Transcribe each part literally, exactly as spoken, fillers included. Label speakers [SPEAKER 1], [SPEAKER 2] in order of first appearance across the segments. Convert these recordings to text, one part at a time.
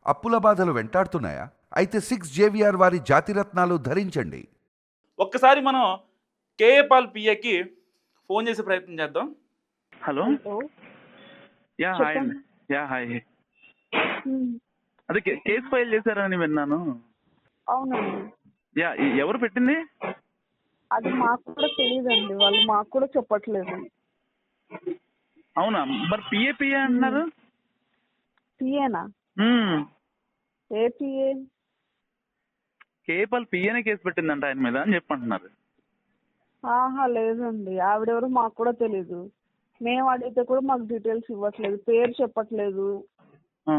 [SPEAKER 1] అప్పుల బాధలు వెంటాడుతున్నాయా? అయితే సిక్స్ జేవిఆర్ వారి జాతిరత్నాలు ధరించండి.
[SPEAKER 2] ఒక్కసారి మనం కేఏ పాల్ పిఏకి ఫోన్ చేసే ప్రయత్నం చేద్దాం.
[SPEAKER 3] హలో
[SPEAKER 4] హలో
[SPEAKER 3] యా హాయ్ అండి.
[SPEAKER 4] చెప్పండి.
[SPEAKER 3] Yeah hi.
[SPEAKER 4] హ్మ్.
[SPEAKER 3] అదే కే- కేసు ఫైల్ చేశారని విన్నాను.
[SPEAKER 4] అవునండి.
[SPEAKER 3] యా ఎ- ఎవరు పెట్టింది?
[SPEAKER 4] అది మాకు కూడా తెలీదండి. వాళ్ళు మాకు కూడా చెప్పట్లేదు.
[SPEAKER 3] అవునా, మరి పిఏ పిఏ అంటున్నారు.
[SPEAKER 4] పిఏనా?
[SPEAKER 3] మ్మ్.
[SPEAKER 4] ఏ పిఏ?
[SPEAKER 3] కేపాల్ పిఏనే కేసు పెట్టిందంట ఆయన మీద అని చెప్పంటున్నారు.
[SPEAKER 4] ఆహా లేదండి. ఆవిడెవరు మాకు కూడా తెలీదు. మేము అడిగితే కూడా మాకు డీటెయిల్స్ ఇవ్వట్లేదు. పేరు చెప్పట్లేదు.
[SPEAKER 3] ఆ.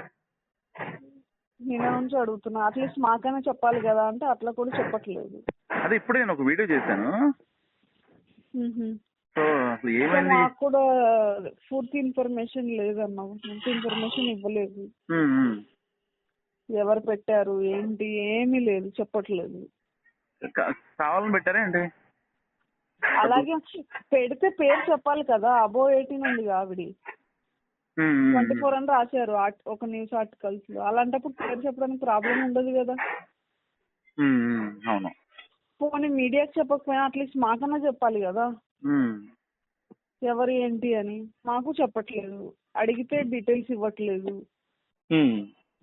[SPEAKER 4] నిన్న నుంచి అడుగుతున్నా. అట్లీస్ట్ మాకైనా చెప్పాలి కదా అంటే అట్లా కూడా చెప్పట్లేదు.
[SPEAKER 3] అదే ఇప్పుడే నేను ఒక వీడియో చేశాను.
[SPEAKER 4] మ్హూ.
[SPEAKER 3] సో అసలు
[SPEAKER 4] సో
[SPEAKER 3] ఏమైంది?
[SPEAKER 4] మాకు కూడా పూర్తి ఇన్ఫర్మేషన్ లేదన్నా. పూర్తి ఇన్ఫర్మేషన్ ఇవ్వలేదు.
[SPEAKER 3] మ్మ్, మ్మ్.
[SPEAKER 4] ఎవరు పెట్టారు ఏంటి ఏమీ లేదు, చెప్పట్లేదు.
[SPEAKER 3] కా- కావాలని పెట్టారా ఏంటి?
[SPEAKER 4] అలాగే పెడితే పేరు చెప్పాలి కదా. అబో ఎయిటీన్ ఉంది ఆవిడ.
[SPEAKER 3] మ్మ్, మ్మ్,
[SPEAKER 4] ట్వంటీ
[SPEAKER 3] మ్మ్.
[SPEAKER 4] ఫోర్ అని రాశారు ఆర్ట్- ఒక న్యూస్ ఆర్టికల్స్ లో. అలాంటప్పుడు పేరు చెప్పడానికి ప్రాబ్లం ఉండదు కదా.
[SPEAKER 3] మ్మ్, మ్మ్. అవును.
[SPEAKER 4] పోనీ మీడియాకి చెప్పకపోయినా అట్లీస్ట్ మాకన్నా చెప్పాలి కదా
[SPEAKER 3] మ్మ్.
[SPEAKER 4] ఎవరు ఏంటి అని. మాకు చెప్పట్లేదు. అడిగితే డీటెయిల్స్ ఇవ్వట్లేదు.
[SPEAKER 3] మ్మ్.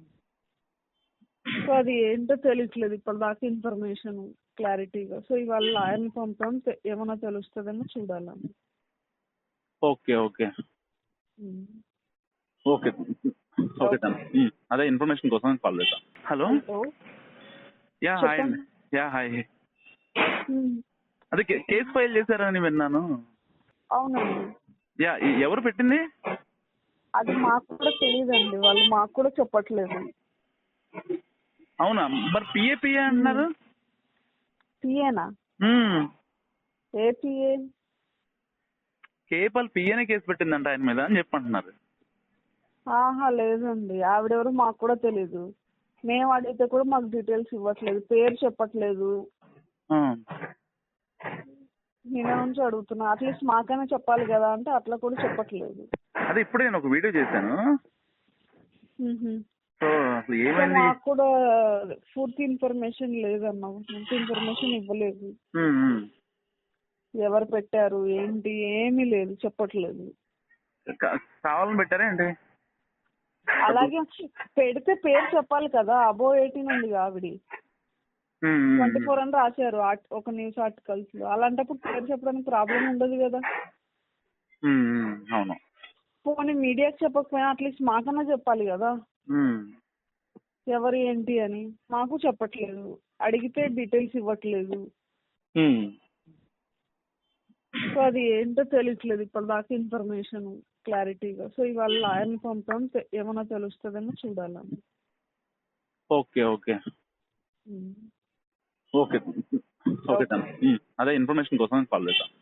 [SPEAKER 4] సో అది ఏంటో తెలియట్లేదు ఇప్పటిదాకా ఇన్ఫర్మేషన్ క్లారిటీగా. సో ఇవాళ లాయర్ని పంపాం. తె- ఏమైనా తెలుస్తుందేమో చూడాలని.
[SPEAKER 3] Okay okay
[SPEAKER 4] um.
[SPEAKER 3] Okay okay తను మ్మ్. అదే ఇన్ఫర్మేషన్ కోసం కాల్ చేశాను. హలో
[SPEAKER 4] హలో
[SPEAKER 3] యా హాయ్
[SPEAKER 4] చెప్పండి.
[SPEAKER 3] అండి. Yeah hi.
[SPEAKER 4] ఉమ్.
[SPEAKER 3] అదే కే- కేసు ఫైల్ చేశారని విన్నాను.
[SPEAKER 4] అవునండి.
[SPEAKER 3] యా ఎ- ఎవరు పెట్టింది?
[SPEAKER 4] అది మాకు కూడా తెలీదండి. వాళ్ళు మాకు కూడా చెప్పట్లేదు.
[SPEAKER 3] అవునా, మరి పిఏ పిఏ అంటున్నారు.
[SPEAKER 4] పిఏనా?
[SPEAKER 3] మ్మ్.
[SPEAKER 4] ఏ పిఏ?
[SPEAKER 3] కేపాల్ పిఏనే కేసు పెట్టిందంట ఆయన మీద అని చెప్పంటున్నారు.
[SPEAKER 4] ఆహా లేదండి. ఆవిడెవరు మాకు కూడా తెలీదు. మేము అడిగితే కూడా మాకు డీటెయిల్స్ ఇవ్వట్లేదు. పేరు చెప్పట్లేదు.
[SPEAKER 3] ఆ.
[SPEAKER 4] నిన్న నుంచి అడుగుతున్నా. అట్లీస్ట్ మాకైనా చెప్పాలి కదా అంటే అట్లా కూడా చెప్పట్లేదు.
[SPEAKER 3] అదే ఇప్పుడే నేను ఒక వీడియో చేశాను.
[SPEAKER 4] మ్హూ.
[SPEAKER 3] సో అసలు
[SPEAKER 4] సో
[SPEAKER 3] ఏమైంది?
[SPEAKER 4] మాకు కూడా పూర్తి ఇన్ఫర్మేషన్ లేదన్నా. పూర్తి ఇన్ఫర్మేషన్ ఇవ్వలేదు.
[SPEAKER 3] మ్మ్, మ్మ్.
[SPEAKER 4] ఎవరు పెట్టారు ఏంటి ఏమీ లేదు, చెప్పట్లేదు.
[SPEAKER 3] కా- కావాలని పెట్టారా ఏంటి?
[SPEAKER 4] అలాగే పెడితే పేరు చెప్పాలి కదా. అబో ఎయిటీన్ ఉంది ఆవిడ.
[SPEAKER 3] మ్మ్, మ్మ్,
[SPEAKER 4] ట్వంటీ
[SPEAKER 3] మ్మ్.
[SPEAKER 4] ఫోర్ అని రాశారు ఆర్ట్- ఒక న్యూస్ ఆర్టికల్స్ లో. అలాంటప్పుడు పేరు చెప్పడానికి ప్రాబ్లం ఉండదు కదా.
[SPEAKER 3] మ్మ్, మ్మ్. అవును.
[SPEAKER 4] పోనీ మీడియాకి చెప్పకపోయినా అట్లీస్ట్ మాకన్నా చెప్పాలి కదా
[SPEAKER 3] మ్మ్.
[SPEAKER 4] ఎవరు ఏంటి అని. మాకు చెప్పట్లేదు. అడిగితే డీటెయిల్స్ ఇవ్వట్లేదు.
[SPEAKER 3] మ్మ్.
[SPEAKER 4] సో అది ఏంటో తెలియట్లేదు ఇప్పటిదాకా ఇన్ఫర్మేషన్ క్లారిటీగా. సో ఇవాళ లాయర్ని పంపాం. తె- ఏమైనా తెలుస్తుందేమో చూడాలని.
[SPEAKER 3] Okay okay
[SPEAKER 4] um.
[SPEAKER 3] Okay okay తను మ్మ్. అదే ఇన్ఫర్మేషన్ కోసం కాల్ చేశాను.